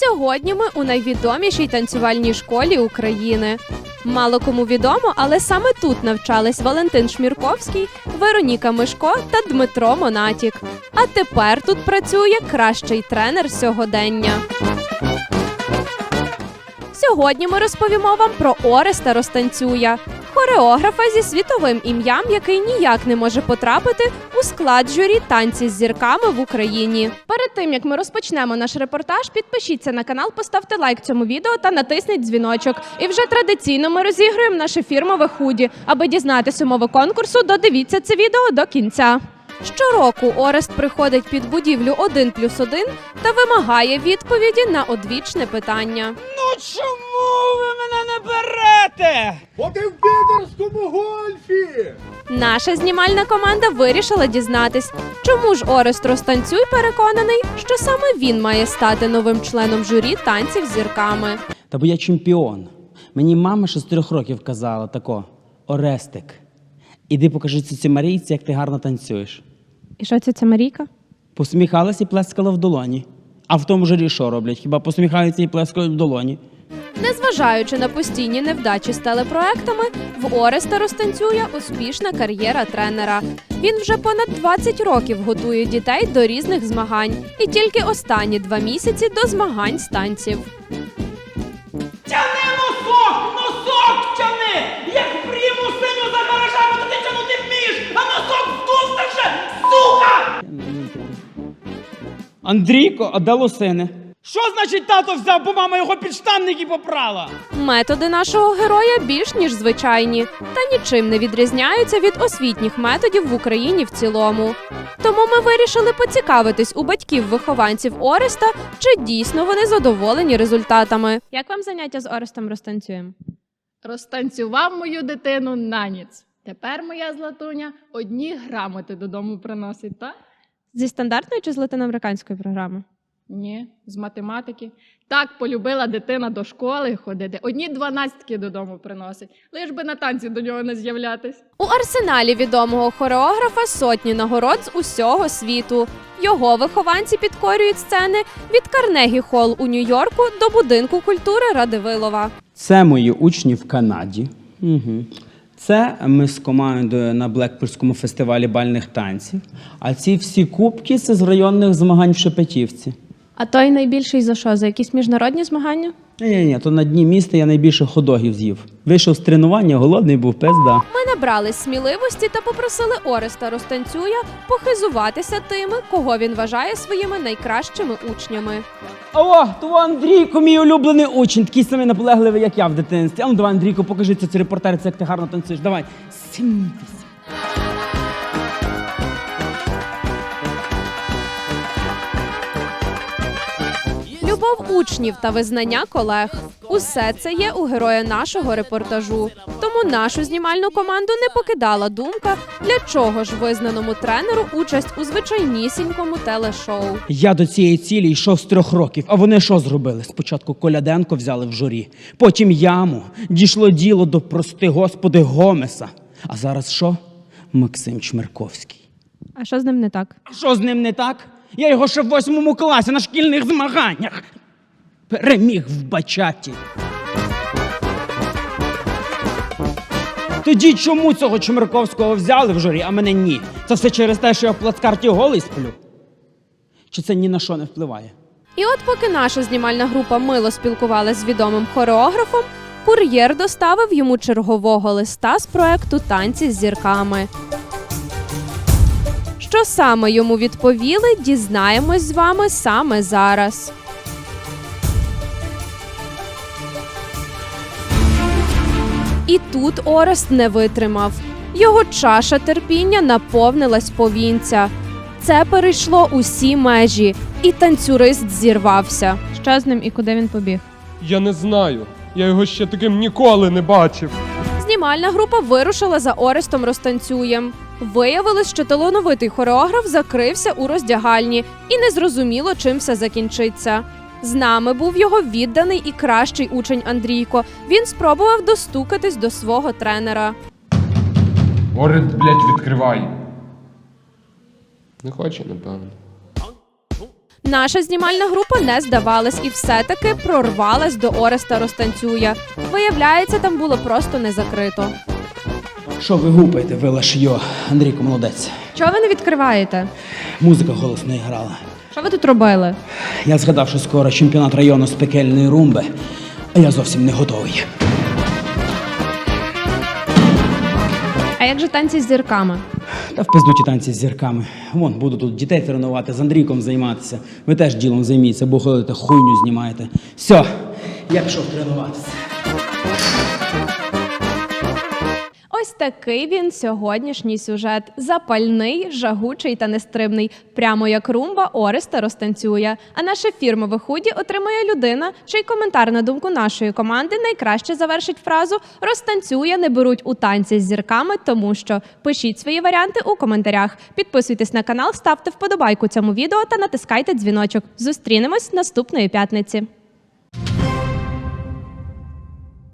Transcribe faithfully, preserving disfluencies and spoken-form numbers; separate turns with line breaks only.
Сьогодні ми у найвідомішій танцювальній школі України. Мало кому відомо, але саме тут навчались Валентин Шмірковський, Вероніка Мишко та Дмитро Монатік. А тепер тут працює кращий тренер сьогодення. Сьогодні ми розповімо вам про Ореста Розтанцюя, хореографа зі світовим ім'ям, який ніяк не може потрапити у склад журі «Танці з зірками» в Україні. Перед тим, як ми розпочнемо наш репортаж, підпишіться на канал, поставте лайк цьому відео та натисніть дзвіночок. І вже традиційно ми розігруємо наше фірмове худі. Аби дізнатися умови конкурсу, додивіться це відео до кінця. Щороку Орест приходить під будівлю один плюс один та вимагає відповіді на одвічне питання.
Ну чому ви мене не берете?
Бо ти в підерському гольфі!
Наша знімальна команда вирішила дізнатись, чому ж Орест Розтанцюй переконаний, що саме він має стати новим членом журі «Танців з зірками».
Та бо я чемпіон. Мені мама ще з трьох років казала тако: Орестик, іди покажи цій Марійці, як ти гарно танцюєш.
І що це ця Марійка?
Посміхалась і плескала в долоні. А в тому журі що роблять? Хіба посміхаються і плескають в долоні?
Незважаючи на постійні невдачі з телепроектами, в Ореста Розтанцюя успішна кар'єра тренера. Він вже понад двадцять років готує дітей до різних змагань. І тільки останні два місяці до змагань з танців.
Тяни носок! Носок тяни! Як пріму синю за гаражами, то ти тянути вмієш, а носок здувся вже, сука!
Андрійко, а де лосини? Що значить тато взяв, бо мама його підштанники попрала?
Методи нашого героя більш ніж звичайні, та нічим не відрізняються від освітніх методів в Україні в цілому. Тому ми вирішили поцікавитись у батьків-вихованців Ореста, чи дійсно вони задоволені результатами. Як вам заняття з Орестом Розтанцюєм?
Розтанцював мою дитину на ніц. Тепер моя Златуня одні грамоти додому приносить, так?
Зі стандартної чи з латиноамериканської програми?
Ні, з математики. Так полюбила дитина до школи ходити. Одні дванадцятки додому приносить. Лиш би на танці до нього не з'являтись.
У арсеналі відомого хореографа сотні нагород з усього світу. Його вихованці підкорюють сцени від Карнегі Холл у Нью-Йорку до Будинку культури Радивилова.
Це мої учні в Канаді. Угу. Це ми з командою на Блекпульському фестивалі бальних танців. А ці всі кубки – це з районних змагань в Шепетівці.
А той найбільший за що? За якісь міжнародні змагання?
Ні-ні, то на дні міста я найбільше хот-догів з'їв. Вийшов з тренування, голодний був, пизда.
Ми набрались сміливості та попросили Ореста Розтанцюя похизуватися тими, кого він вважає своїми найкращими учнями.
О, то Андрійко, мій улюблений учень, такий самий наполегливий, як я в дитинстві. А ну давай, Андрійко, покажи це репортер, як ти гарно танцюєш. Давай, сімтися.
Любов учнів та визнання колег – усе це є у героя нашого репортажу. Тому нашу знімальну команду не покидала думка, для чого ж визнаному тренеру участь у звичайнісінькому телешоу.
Я до цієї цілі йшов з трьох років, а вони що зробили? Спочатку Коляденко взяли в журі, потім яму, дійшло діло до, прости господи, Гомеса. А зараз що? Максим Чмирковський.
А що з ним не так?
А що з ним не так? Я його ще в восьмому класі на шкільних змаганнях переміг в бачаті. Тоді чому цього Чмирковського взяли в журі, а мене ні? Це все через те, що я в плацкарті голий сплю? Чи це ні на що не впливає?
І от поки наша знімальна група мило спілкувалася з відомим хореографом, кур'єр доставив йому чергового листа з проекту «Танці з зірками». Що саме йому відповіли, дізнаємось з вами саме зараз. І тут Орест не витримав. Його чаша терпіння наповнилась повінця. Це перейшло усі межі, і танцюрист зірвався. Що з ним і куди він побіг?
Я не знаю. Я його ще таким ніколи не бачив.
Знімальна група вирушила за Орестом Розтанцюєм. Виявилось, що талановитий хореограф закрився у роздягальні і незрозуміло, чим все закінчиться. З нами був його відданий і кращий учень Андрійко. Він спробував достукатись до свого тренера.
Орест, блядь, відкривай. Не хоче, напевно.
Наша знімальна група не здавалась і все-таки прорвалась до Ореста Розтанцюя. Виявляється, там було просто не закрито.
Що ви гупаєте, ви лашйо? Андрійко молодець.
Чого ви не відкриваєте?
Музика голосно грала.
Що ви тут робили?
Я згадав, що скоро чемпіонат району з пекельної румби, а я зовсім не готовий.
А як же танці з зірками?
Та в пизду ті танці з зірками. Вон, буду тут дітей тренувати, з Андрійком займатися. Ви теж ділом займіться, бо ходите, хуйню знімаєте. Все, я пішов тренуватися.
Ось такий він сьогоднішній сюжет. Запальний, жагучий та нестримний. Прямо як румба Ореста Розтанцюя. А наше фірмове худі отримує людина, чий коментар на думку нашої команди найкраще завершить фразу «Розтанцюя не беруть у танці з зірками, тому що». Пишіть свої варіанти у коментарях. Підписуйтесь на канал, ставте вподобайку цьому відео та натискайте дзвіночок. Зустрінемось наступної п'ятниці.